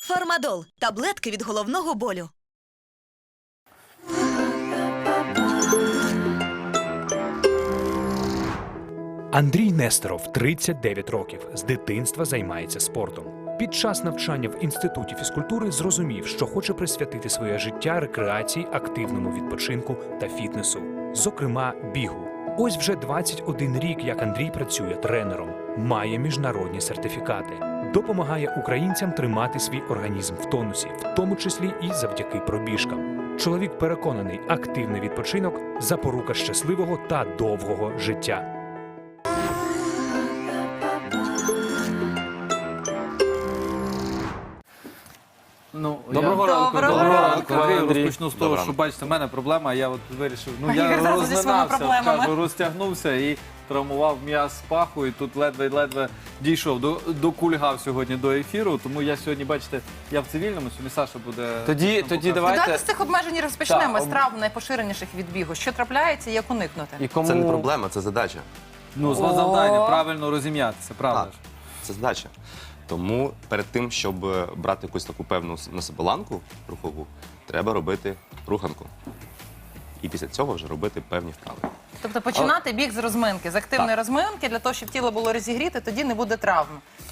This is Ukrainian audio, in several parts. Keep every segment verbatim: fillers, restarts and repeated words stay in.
Фармадол – таблетки від головного болю. Андрій Нестеров, тридцять дев'ять років, з дитинства займається спортом. Під час навчання в Інституті фізкультури зрозумів, що хоче присвятити своє життя рекреації, активному відпочинку та фітнесу, зокрема бігу. Ось вже двадцять один рік, як Андрій працює тренером, має міжнародні сертифікати, допомагає українцям тримати свій організм в тонусі, в тому числі і завдяки пробіжкам. Чоловік переконаний, активний відпочинок – запорука щасливого та довгого життя. Ну, Доброго я... ранку. Доброго Доброго ранку, ранку, Андрій. Андрій. Розпочну з того, що, бачите, в мене проблема, я от вирішив, ну, я Ігор завжди зі своїми розминався, проблемами. кажу, розтягнувся і травмував м'яз паху, і тут ледве-ледве дійшов, до, докульгав сьогодні до ефіру, тому я сьогодні, бачите, я в цивільному, сьогодні Саша буде... Тоді, нам тоді показувати. давайте... Давайте з цих обмежень розпочнемо, Так, з травм найпоширеніших від бігу. Що трапляється і як уникнути? І кому... Це не проблема, це задача. Ну, з вас О. завдання, правильно розім'ятися, правда Так. ж? Це задача. Тому перед тим, щоб брати якусь таку певну на себе ланку рухову, треба робити руханку. І після цього вже робити певні вправи. Тобто починати біг з розминки, з активної Так. розминки, для того, щоб тіло було розігріте, тоді не буде травм.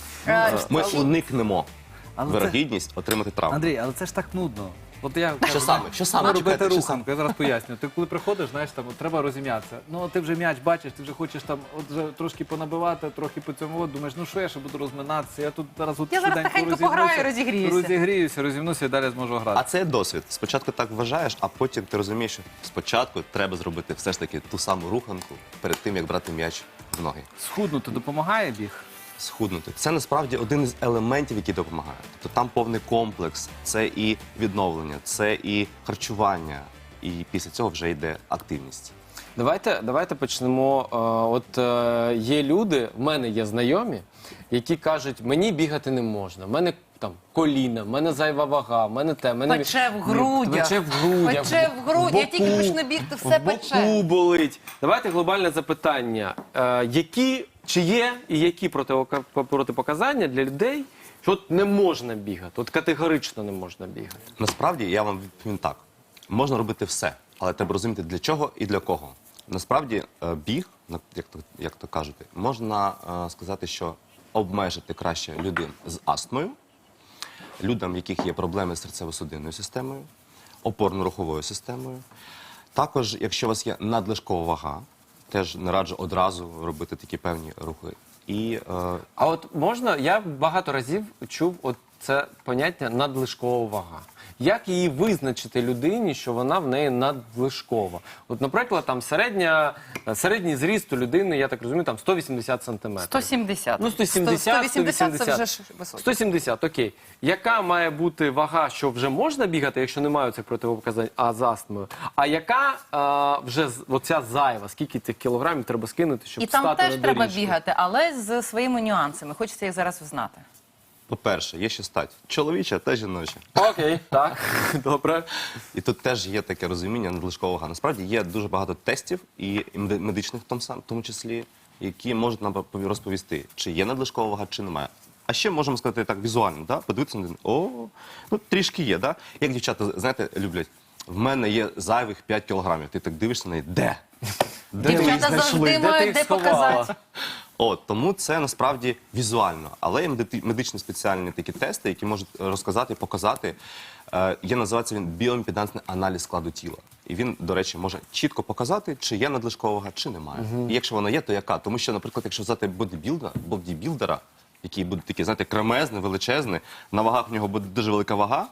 Е, Ми чи- уникнемо Але це- вирогідність отримати травму. Андрій, але це ж так нудно. От я Що саме? Що саме? Треба робити Чекайте, що руханку, я зараз поясню. Ти коли приходиш, знаєш, там от, треба розім'ятися. Ну, ти вже м'яч бачиш, ти вже хочеш там от вже трошки понабивати, трохи по цьому, от, думаєш, ну що я ще буду розминатися, я тут зараз от Я зараз швиденько тихенько розімнуся, пограю, розігріюся. Розігріюся, розімнуся і далі зможу грати. А це досвід. Спочатку так вважаєш, а потім ти розумієш, що спочатку треба зробити все ж таки ту саму руханку перед тим, як брати м'яч в ноги. Схуднути допомагає біг? Схуднути. Це насправді один із елементів, які допомагають. Тобто там повний комплекс, це і відновлення, це і харчування, і після цього вже йде активність. Давайте, давайте почнемо. Е, От е, є люди, в мене є знайомі, які кажуть, мені бігати не можна, в мене там коліна, в мене зайва вага, в мене те, в мене... Пече в грудях. Пече в грудях. Пече в грудях. Я тільки боку, почну бігти, все в боку пече. болить. Давайте глобальне запитання. Е, які, чи є і які противока- протипоказання для людей, що от не можна бігати, от категорично не можна бігати? Насправді, я вам відповім так. Можна робити все, але треба розуміти, для чого і для кого. Насправді, е, біг, на- як то, як то кажете, можна е, сказати, що обмежити краще людин з астмою, людям, в яких є проблеми з серцево-судинною системою, опорно-руховою системою. Також, якщо у вас є надлишкова вага, теж не раджу одразу робити такі певні рухи. І е, А от можна, я багато разів чув от це поняття надлишкова вага. Як її визначити людині, що вона в неї надлишкова? От, наприклад, там середня, середній зріст у людини, я так розумію, там сто вісімдесят сантиметрів. сто сімдесят. Ну, сто сімдесят, сто вісімдесят це сто вже вісімдесят. ж високо. сто сімдесят, окей. Яка має бути вага, що вже можна бігати, якщо немає цих противопоказань, а з астмою? А яка а, вже з- оця зайва, скільки цих кілограмів треба скинути, щоб І там встати теж на треба доріжку? бігати, але з своїми нюансами. Хочеться їх зараз знати. по-перше, є ще стать чоловіча та жіноча. Окей, так, добре. І тут теж є таке розуміння надлишкового вага. Насправді є дуже багато тестів і меди- медичних в тому, сам- в тому числі, які можуть нам пові- розповісти, чи є надлишкова вага, чи немає. А ще можемо сказати так візуально, да? Подивитися на людину. О, ну трішки є, да? Як дівчата, знаєте, люблять. В мене є зайвих п'ять кілограмів. Ти так дивишся на неї, де? Де ви їх Дівчата знайшли? завжди Де ти мають їх де сховала? показати. От, тому це насправді візуально. Але є меди- медичні спеціальні такі тести, які можуть розказати, показати. Е, є, називається він біоімпедансний аналіз складу тіла. І він, до речі, може чітко показати, чи є надлишкова вага, чи немає. І якщо вона є, то яка? Тому що, наприклад, якщо взяти бодібілдера, бодібілдера, який буде такий, знаєте, кремезний, величезний, на вагах в нього буде дуже велика вага,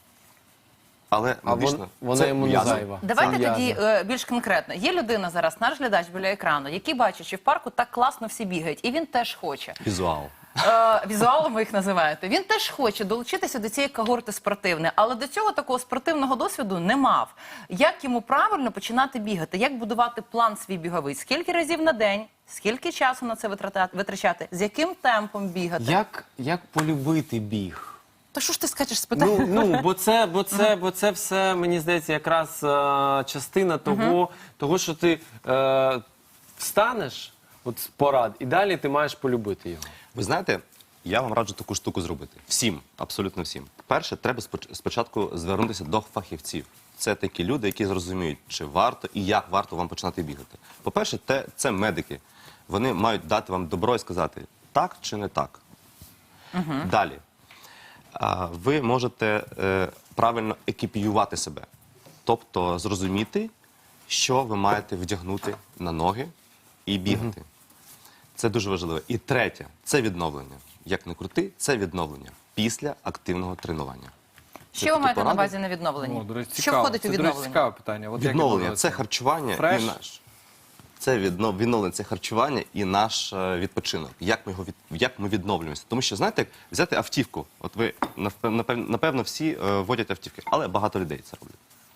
але А медично вон, вона це йому не м'язи. зайва. Давайте Це тоді м'язи. е, більш конкретно. Є людина зараз, наш глядач біля екрану, який бачить, що в парку так класно всі бігають, і він теж хоче. Візуал. Е, візуалом ви їх називаєте. Він теж хоче долучитися до цієї когорти спортивної, але до цього такого спортивного досвіду не мав. Як йому правильно починати бігати? Як будувати план свій біговий? Скільки разів на день? Скільки часу на це витрата- витрачати? З яким темпом бігати? Як, як полюбити біг? Та що ж ти скачеш з питання? Ну, ну бо це, бо це, бо це все, мені здається, якраз е, частина того, того, що ти е, встанеш от з порад, і далі ти маєш полюбити його. Ви знаєте, Я вам раджу таку штуку зробити. Всім, абсолютно всім. Перше, треба споч- спочатку звернутися до фахівців. Це такі люди, які зрозуміють, чи варто і як варто вам починати бігати. По-перше, те- це медики. Вони мають дати вам добро і сказати, так чи не так. Далі. А, Ви можете е, правильно екіпіювати себе. Тобто зрозуміти, що ви маєте вдягнути на ноги і бігати. Це дуже важливо. І третє – це відновлення. Як не крути, це відновлення після активного тренування. Що ви такі маєте на поради. увазі на відновленні? О, до речі, Що цікаво. входить Це, у до речі, відновлення? цікаве питання. От як Відновлення воно – це це? харчування Фреш? і наш. Це відно- відновлення, це харчування і наш е, відпочинок. Як ми, його від, як ми відновлюємося. Тому що, знаєте, як взяти автівку. От ви, напев- напев- напевно, всі е, водять автівки, але багато людей це роблять.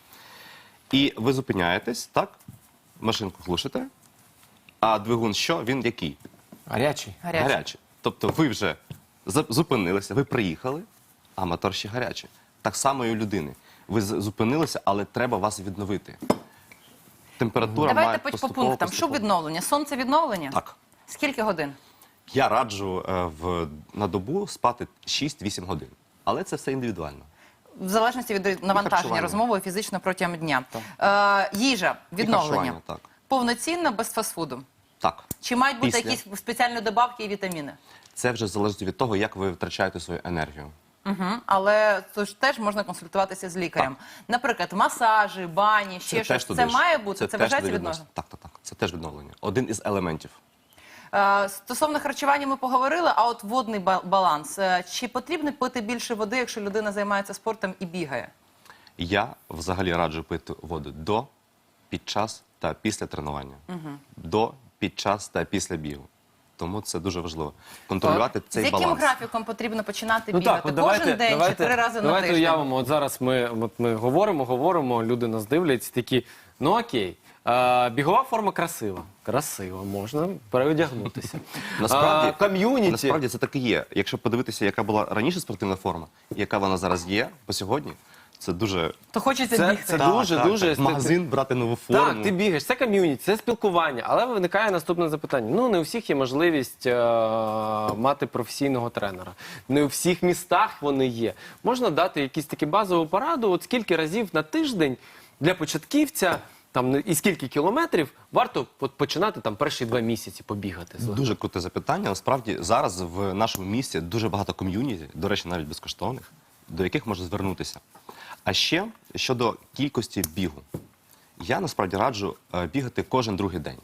І ви зупиняєтесь, так? Машинку глушите, а двигун що? Він який? Гарячий. Гарячий. Гарячий. Тобто ви вже за- зупинилися, ви приїхали, а мотор ще гарячий. Так само і у людини. Ви з- зупинилися, але треба вас відновити. Температура Давайте має по, по поступово, пунктам. Що поступово. відновлення? Сонце відновлення? Так. Скільки годин? Я раджу е, в, на добу спати шість-вісім годин. Але це все індивідуально. В залежності від навантаження харчування. розмовою фізично протягом дня. Е, їжа, відновлення. харчування, так. Повноцінно, без фастфуду. Так. Чи мають бути Після. якісь спеціальні добавки і вітаміни? Це вже залежить від того, як ви втрачаєте свою енергію. Угу. Але це ж теж можна консультуватися з лікарем. Наприклад, масажі, бані, ще щось. туди Це ж. має бути? Це, теж вважається туди відновлення? відноситься. Так, так, так. Це теж відновлення. Один із елементів. Е, Стосовно харчування ми поговорили, а от водний ба- баланс. Е, Чи потрібно пити більше води, якщо людина займається спортом і бігає? Я взагалі раджу пити воду до, під час та після тренування. До, під час та після бігу. Тому це дуже важливо. Контролювати З цей яким баланс. графіком потрібно починати Ну бігати? так, от Кожен давайте, день давайте, чи три рази на давайте тиждень? уявимо, от зараз ми, от ми говоримо, говоримо, люди нас дивляться, такі, ну окей, а, бігова форма красива. Красиво, можна переодягнутися. Насправді, А, ком'юніті. насправді це так і є. Якщо подивитися, яка була раніше спортивна форма, і яка вона зараз є по сьогодні, це дуже... То хочеться Це- бігти. це Так, дуже, так, дуже так. В магазин брати нову форму. Так, ти бігаєш, це ком'юніті, це спілкування. Але виникає наступне запитання. Ну, не у всіх є можливість е- мати професійного тренера. Не у всіх містах вони є. Можна дати якісь такі базову пораду, от скільки разів на тиждень для початківця, там, і скільки кілометрів варто от починати там перші два місяці побігати. Дуже круте запитання. Насправді зараз в нашому місті дуже багато ком'юніті, до речі, навіть безкоштовних, до яких можна звернутися. А ще щодо кількості бігу. Я насправді раджу е, бігати кожен другий день.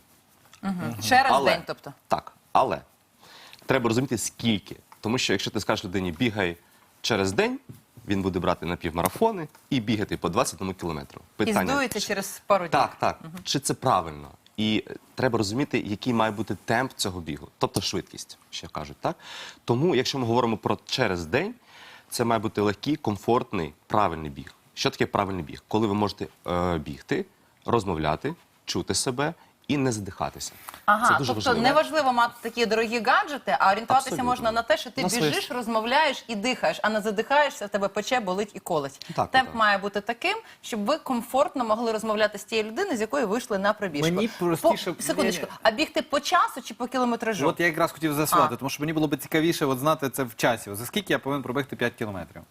Ще раз в Але- день, тобто. Так, але треба розуміти скільки. Тому що якщо ти скажеш людині бігай через день, він буде брати напівмарафони і бігати по двадцять одному кілометру. І здується через пару днів. Так, так. Чи це правильно? І е, треба розуміти, який має бути темп цього бігу, тобто швидкість, що кажуть, так? Тому, якщо ми говоримо про через день, це має бути легкий, комфортний, правильний біг. Що таке правильний біг? Коли ви можете е, бігти, розмовляти, чути себе і не задихатися. Ага, це дуже тобто важливо. не важливо мати такі дорогі гаджети, а орієнтуватися Абсолютно. можна на те, що ти На своє- біжиш, розмовляєш і дихаєш, а не задихаєшся, тебе пече, болить і колить. Так, Темп так. має бути таким, щоб ви комфортно могли розмовляти з тією людиною, з якою вийшли на пробіжку. Мені простіше- По, секундочку, Ні-ні. а бігти по часу чи по кілометражу? От я якраз хотів з'ясувати, А. тому що мені було б цікавіше от знати це в часі. От за скільки я повинен пробігти п'ять кілометрів?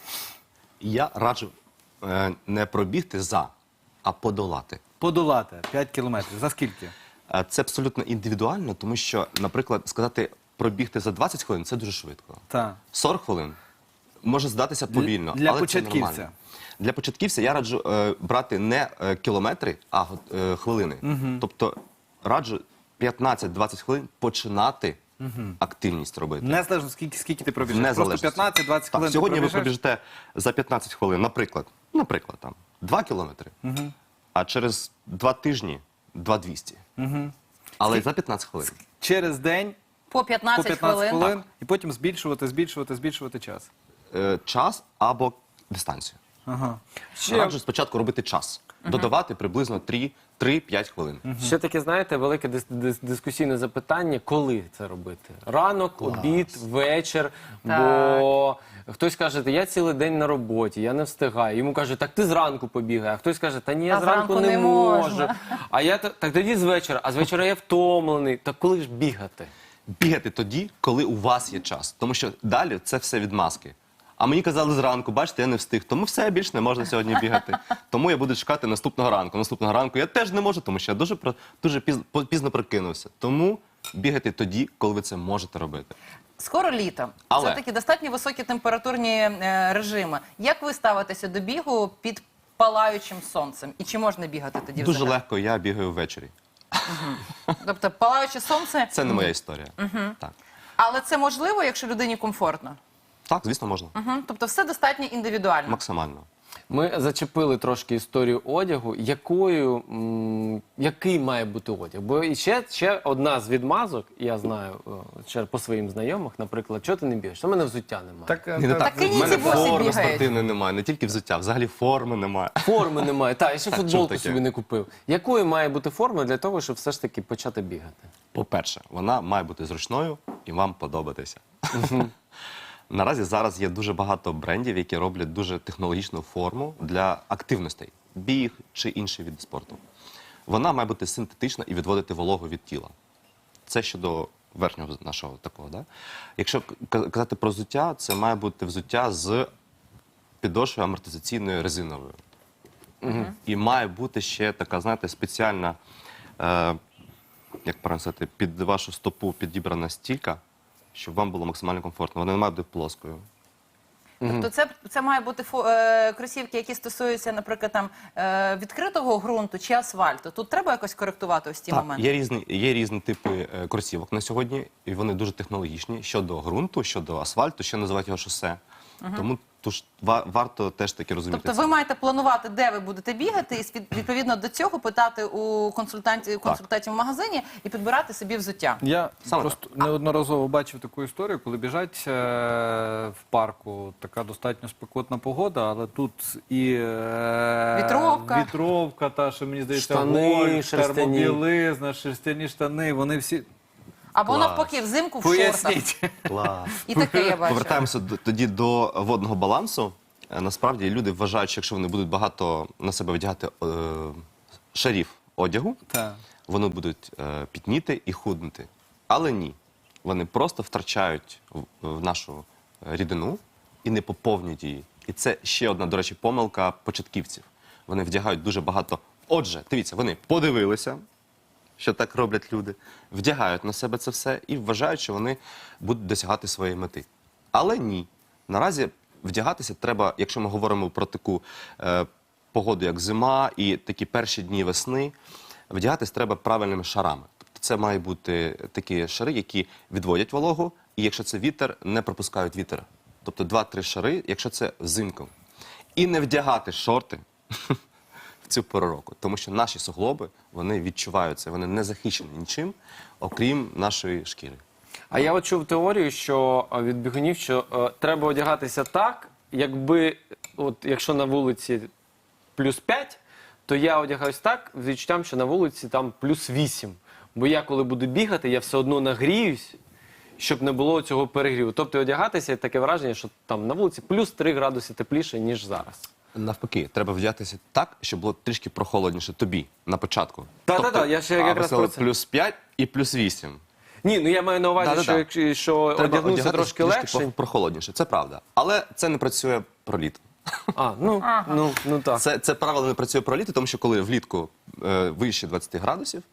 Я раджу е, не пробігти за, а подолати. Подолати п'ять кілометрів. За скільки? Е, Це абсолютно індивідуально, тому що, наприклад, сказати пробігти за двадцять хвилин – це дуже швидко. Так. сорок хвилин може здатися повільно, для але початківця. це нормально. Для початківця я раджу е, брати не е, кілометри, а е, хвилини. Тобто раджу п'ятнадцять-двадцять хвилин починати активність робити. Незалежно скільки, скільки ти пробіжиш. Просто Незалежності. п'ятнадцять-двадцять Так, хвилин ти сьогодні ви пробіжиш? пробіжите за п'ятнадцять хвилин, наприклад, наприклад, там, два кілометри, а через два тижні два двісті. Але за п'ятнадцять хвилин. Через день По по п'ятнадцять, п'ятнадцять хвилин. хвилин і потім збільшувати, збільшувати, збільшувати час. Е, час або дистанцію. Ага. Раджу спочатку робити час. Додавати приблизно три-п'ять хвилин. Ще таке, знаєте, велике дис- дис- дискусійне запитання, коли це робити? Ранок, обід, вечір, бо хтось каже, я цілий день на роботі, я не встигаю. Йому кажуть, так ти зранку побігай, а хтось каже, та ні, я А зранку зранку не не можу. можна. А я та- так тоді з вечора, а з вечора я втомлений. Так коли ж бігати? бігати тоді, коли у вас є час. Тому що далі це все відмазки. А мені казали зранку, бачите, я не встиг, тому все, більше не можна сьогодні бігати. Тому я буду чекати наступного ранку. Наступного ранку я теж не можу, тому що я дуже, про- дуже пізно, пізно прокинувся. Тому бігайте тоді, коли ви це можете робити. Скоро літо. Але- Це такі достатньо високі температурні е, режими. Як ви ставитеся до бігу під палаючим сонцем? І чи можна бігати тоді Дуже взагалі? легко, я бігаю ввечері. Тобто палаюче сонце, Це не моя історія. Так. але це можливо, якщо людині комфортно? Так, звісно, можна. Мгм. Тобто все достатньо індивідуально. Максимально. Ми зачепили трошки історію одягу. Якою, м, який має бути одяг? Бо і ще, ще одна з відмазок, я знаю о, ще по своїм знайомих, наприклад, чого ти не бігаєш? У мене взуття немає. Так, Ні, не Так і В ні, мене ці босі форми бігають. спортивної немає, не тільки взуття, взагалі форми немає. Форми немає. Так, я ще чому футболку таке? собі не купив. Якою має бути форма для того, щоб все ж таки почати бігати? По-перше, вона має бути зручною і вам подобатися. Наразі зараз є дуже багато брендів, які роблять дуже технологічну форму для активностей, біг чи інші види спорту. Вона має бути синтетична і відводити вологу від тіла. Це щодо верхнього нашого такого. Да? Якщо к- казати про взуття, це має бути взуття з підошвою амортизаційною резиновою. І має бути ще така, знаєте, спеціальна, е, як правильно сказати, під вашу стопу підібрана стілька, щоб вам було максимально комфортно. Вона не має бути плоскою. Тобто це, це має бути фо, е, кросівки, які стосуються, наприклад, там, е, відкритого ґрунту чи асфальту. Тут треба якось коректувати ось ці Так, моменти? є різні, є різні типи е, кросівок на сьогодні, і вони дуже технологічні щодо ґрунту, щодо асфальту, ще називають його шосе. Тому тож, ва- варто теж таки розуміти Тобто це. ви маєте планувати, де ви будете бігати, і від- відповідно до цього питати у консультантів, консультантів в магазині і підбирати собі взуття. Я Саме просто неодноразово бачив таку історію, коли біжать е, в парку, така достатньо спекотна погода, але тут і е, Вітровка. вітровка, та, що мені здається, Штани гольф, шерстяні. термобілизна, шерстяні штани, вони всі... Або Клас. навпаки, взимку в шортах. Поясніть. Клас. І таке я бачу. Повертаємося до- тоді до водного балансу. Е, Насправді люди вважають, що якщо вони будуть багато на себе вдягати е, шарів одягу, Так. вони будуть е, пітніти і худнути. Але ні. Вони просто втрачають в, в нашу рідину і не поповнюють її. І це ще одна, до речі, помилка початківців. Вони вдягають дуже багато. Отже, дивіться, вони подивилися, що так роблять люди, вдягають на себе це все і вважають, що вони будуть досягати своєї мети. Але ні. Наразі вдягатися треба, якщо ми говоримо про таку е, погоду, як зима і такі перші дні весни, вдягатись треба правильними шарами. Тобто це мають бути такі шари, які відводять вологу, і якщо це вітер, не пропускають вітер. Тобто два-три шари, якщо це взимку. І не вдягати шорти в цю пору року, тому що наші суглоби, вони відчувають це, вони не захищені нічим, окрім нашої шкіри. А я от чув теорію, що е, від бігунів, що е, треба одягатися так, якби, от якщо на вулиці плюс п'ять, то я одягаюсь так, з відчуттям, що на вулиці там плюс вісім. Бо я, коли буду бігати, я все одно нагріюсь, щоб не було цього перегріву. Тобто одягатися, таке враження, що там на вулиці плюс три градуси тепліше, ніж зараз. Навпаки, треба вдягатися так, щоб було трішки прохолодніше тобі на початку. Та-та-та, я ще а, якраз ви сказали, про це. плюс п'ять і плюс вісім. Ні, ну я маю на увазі, Да-да-да. що, якщо- що Треба одягнувся одягатися трошки легше. про- прохолодніше, це правда. Але це не працює про літо. А, ну, ну, ну так. Це, це правило не працює про літо, тому що коли влітку е, вище двадцяти градусів,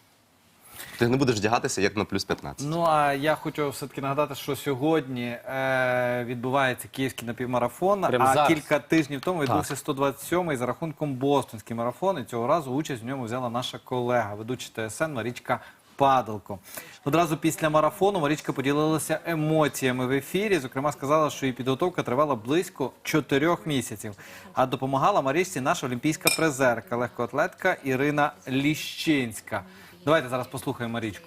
ти не будеш вдягатися як на плюс п'ятнадцять. Ну, а я хочу все-таки нагадати, що сьогодні е, відбувається київський напівмарафон, Прямо а зараз. кілька тижнів тому відбувся сто двадцять сьомий за рахунком бостонський марафон, і цього разу участь в ньому взяла наша колега, ведуча ТСН Марічка Падалко. Одразу після марафону Марічка поділилася емоціями в ефірі, зокрема сказала, що її підготовка тривала близько чотирьох місяців, а допомагала Марічці наша олімпійська призерка, легкоатлетка Ірина Ліщинська. Давайте зараз послухаємо Марічку.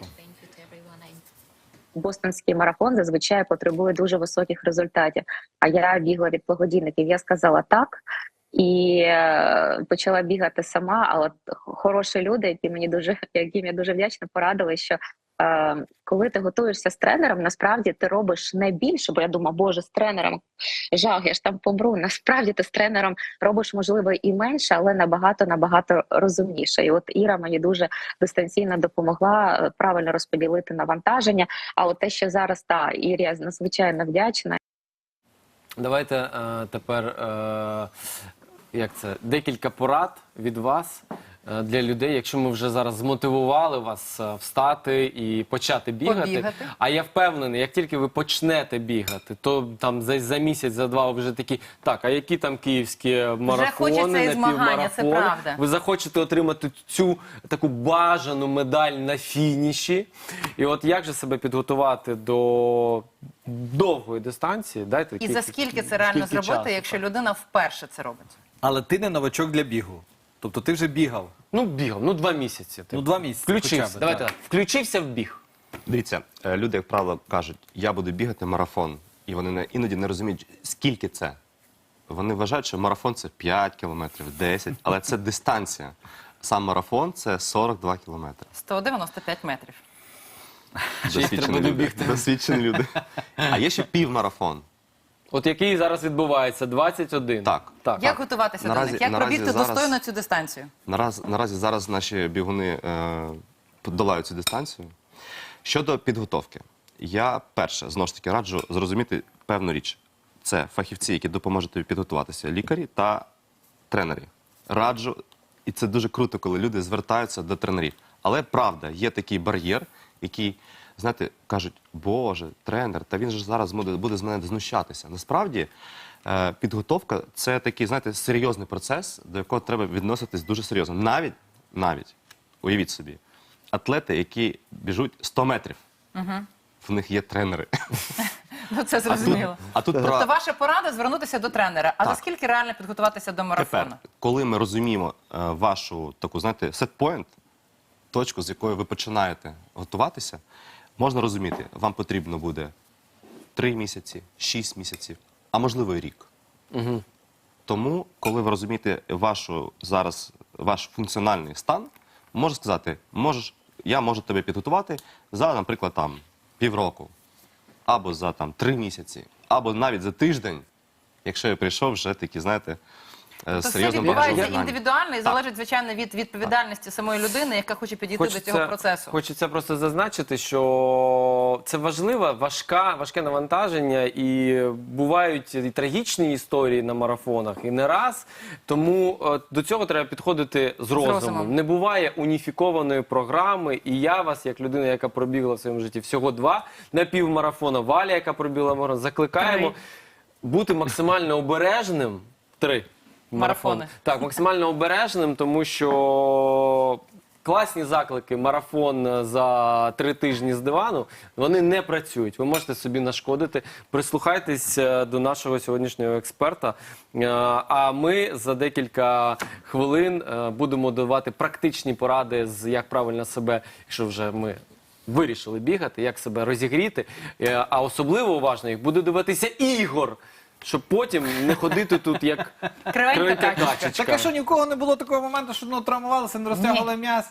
Бостонський марафон зазвичай потребує дуже високих результатів. А я бігла від благодійників. Я сказала так і е, почала бігати сама. Але хороші люди, які мені дуже, яким я дуже вдячна, порадили, що е, коли ти готуєшся з тренером, насправді ти робиш не більше, бо я думаю, боже, з тренером жах, я ж там помру. Насправді ти з тренером робиш, можливо, і менше, але набагато набагато розумніше. І от Іра мені дуже дистанційно допомогла е, правильно розподілити навантаження. А от те, що зараз та Ірі, я надзвичайно вдячна. Давайте е, тепер е, як це, декілька порад від вас е, для людей, якщо ми вже зараз змотивували вас е, встати і почати бігати. Побігати. А я впевнений, як тільки ви почнете бігати, то там за, за місяць, за два ви вже такі, так, а які там київські марафони, хочеться і змагання, це напівмарафони? правда. Ви захочете отримати цю таку бажану медаль на фініші. І от як же себе підготувати до довгої дистанції? Дайте І кілька- за скільки це реально скільки зробити, часу, якщо так? людина вперше це робить? Але ти не новачок для бігу. Тобто ти вже бігав. Ну, бігав, ну два місяці. Ну, два місяці Включився, хоча б, давайте так. так. Включився в біг. Дивіться, е, люди, як правило, кажуть, я буду бігати марафон. І вони не, іноді не розуміють, скільки це. Вони вважають, що марафон – це п'ять кілометрів, десять, але це дистанція. Сам марафон – це сорок два кілометри. сто дев'яносто п'ять метрів. Досвідчені треба люди. добігти. Досвідчені люди. А є ще півмарафон. От який зараз відбувається, двадцять один. Так. так. Як готуватися Наразі- до них? Як наразі пробігти зараз- достойно цю дистанцію? Нараз, наразі зараз наші бігуни е, подолають цю дистанцію. Щодо підготовки, я перше, знову ж таки, раджу зрозуміти певну річ. Це фахівці, які допоможуть тобі підготуватися, лікарі та тренери. Раджу, і це дуже круто, коли люди звертаються до тренерів. Але правда, є такий бар'єр, який, знаєте, кажуть, боже, тренер, та він же зараз буде, буде з мене знущатися. Насправді, е, підготовка – це такий, знаєте, серйозний процес, до якого треба відноситись дуже серйозно. Навіть, навіть, уявіть собі, атлети, які біжуть сто метрів, в них є тренери. Ну, це зрозуміло. А тут Тобто про... ваша порада звернутися до тренера. А за Так. скільки реально підготуватися до марафону? Тепер, коли ми розуміємо е, вашу таку, знаєте, сет-пойнт, точку, з якої ви починаєте готуватися, можна розуміти, вам потрібно буде три місяці, шість місяців, а можливо і рік. Угу. Тому, коли ви розумієте вашу зараз ваш функціональний стан, можна сказати, можеш, я можу тебе підготувати за, наприклад, там півроку, або за там три місяці, або навіть за тиждень, якщо я прийшов вже такі, знаєте, То з все серйозним відбувається багажем знань. індивідуально і залежить, звичайно, від відповідальності самої людини, яка хоче підійти до цього процесу. Хочеться просто зазначити, що це важливе, важка, важке навантаження, і бувають і трагічні історії на марафонах, і не раз. Тому е, до цього треба підходити з розумом. розумом. Не буває уніфікованої програми, і я вас, як людина, яка пробігла в своєму житті всього два напівмарафона, Валя, яка пробігла марафон, закликаємо Три. бути максимально обережним. Три. Марафони. Так, максимально обережним, тому що класні заклики «Марафон за три тижні з дивану», вони не працюють. Ви можете собі нашкодити. Прислухайтесь е, до нашого сьогоднішнього експерта. Е, А ми за декілька хвилин е, будемо давати практичні поради, з як правильно себе, якщо вже ми вирішили бігати, як себе розігріти. Е, А особливо уважно їх буде дивитися Ігор, щоб потім не ходити тут як Кривенька кривенька качечка. качечка. Так а що, ні в кого не було такого моменту, що ну, травмувалися, не розтягували м'яз?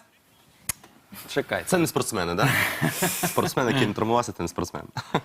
Чекай. Це не спортсмени, так? Да? Спортсмен, який не травмувався, це не спортсмен.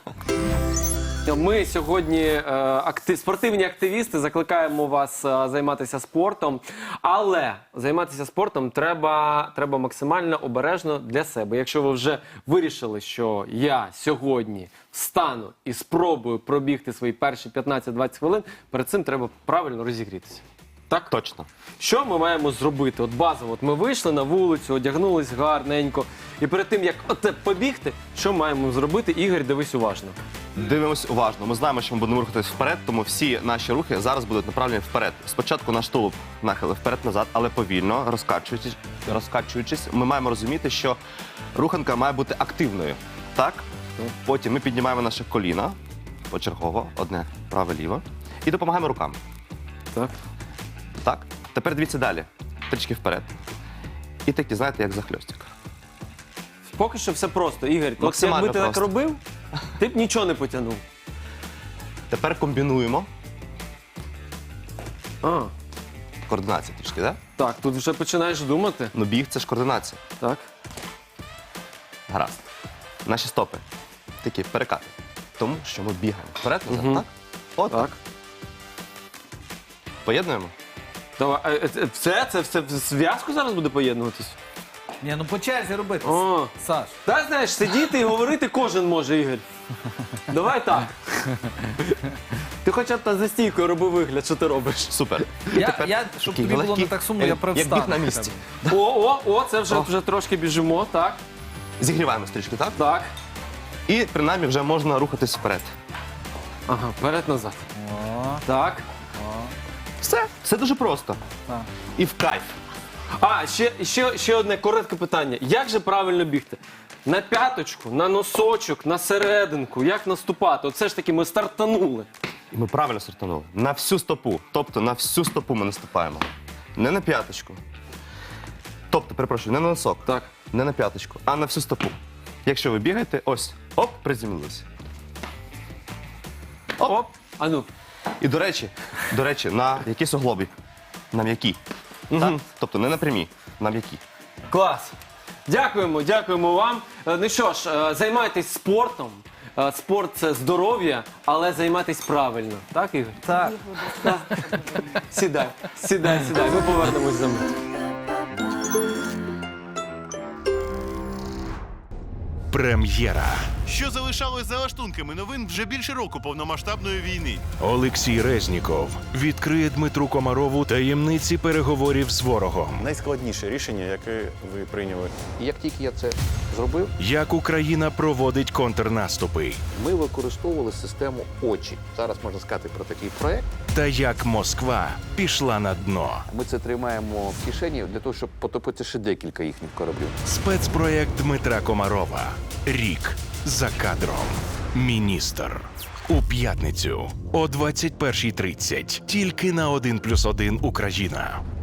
Ми сьогодні е, акти... спортивні активісти закликаємо вас е, займатися спортом, але займатися спортом треба, треба максимально обережно для себе. Якщо ви вже вирішили, що я сьогодні встану і спробую пробігти свої перші п'ятнадцять-двадцять хвилин, перед цим треба правильно розігрітися. Так? Точно. Що ми маємо зробити? От базово, от ми вийшли на вулицю, одягнулись гарненько, і перед тим, як оце побігти, що маємо зробити? Ігор, дивись уважно. Дивимось уважно. Ми знаємо, що ми будемо рухатись вперед, тому всі наші рухи зараз будуть направлені вперед. Спочатку наш тулуб нахили вперед-назад, але повільно, розкачуючись, розкачуючись, ми маємо розуміти, що руханка має бути активною. Так? Потім ми піднімаємо наше коліна, почергово, одне праве-ліве, і допомагаємо руками. Так. Так? Тепер дивіться далі. Трішки вперед. І такі, знаєте, як захльостик. Поки що все просто, Ігор. От Максимально якби ти так просто. робив, ти б нічого не потягнув. Тепер комбінуємо. А, Координація трішки, так? так, тут вже починаєш думати. Ну біг – це ж координація. Так. Гаразд. наші стопи такі перекати. Тому що ми бігаємо. Вперед, назад, Мгм. так? От так. Так. Поєднуємо. Давай, а, е, це- все, це все в зв'язку зараз буде поєднуватись? Ні, ну по черзі робити. О. Саш. Та знаєш, сидіти і говорити кожен може, Ігор. Давай так. Ти хоча б та за стійкою роби вигляд, що ти робиш. Супер. Я, я, щоб такий тобі було не легкий, так сумно, е, я як привстану. біг на місці. О, о, о, це вже, вже трошки біжимо, так, Зігріваємо стрічки, так? так. І принаймні вже можна рухатись вперед. Ага, вперед-назад. О, Так. Все, все дуже просто. так. І в кайф. А, ще, ще, ще одне коротке питання. Як же правильно бігти? На п'яточку, на носочок, на серединку, як наступати? От все ж таки ми стартанули. І ми правильно стартанули. На всю стопу. Тобто на всю стопу ми наступаємо. Не на п'яточку. Тобто, перепрошую, не на носок. Так. Не на п'яточку, а на всю стопу. Якщо ви бігаєте, ось, оп, приземлилися. Оп. А ну. І до речі, до речі, на якісь оглобі. На м'які. Так? Тобто не на прямі, на м'які. Клас. Дякуємо, дякуємо вам. Е, Ну що ж, е, займайтесь спортом. Е, Спорт це здоров'я, але займайтесь правильно. Так, Ігор? Так. Сідай, сідай, сідай. Ми повернемось за мить. Прем'єра. Що залишалось за лаштунками новин вже більше року повномасштабної війни. Олексій Резніков відкриє Дмитру Комарову таємниці переговорів з ворогом. Найскладніше рішення, яке ви прийняли. І як тільки я це зробив, Як Україна проводить контрнаступи. ми використовували систему очі. Зараз можна сказати про такий проект. Та як Москва пішла на дно. Ми це тримаємо в кишені для того, щоб потопити ще декілька їхніх кораблів. Спецпроєкт Дмитра Комарова. Рік за кадром. Міністр. У п'ятницю о двадцять першій тридцять. Тільки на один плюс один Україна.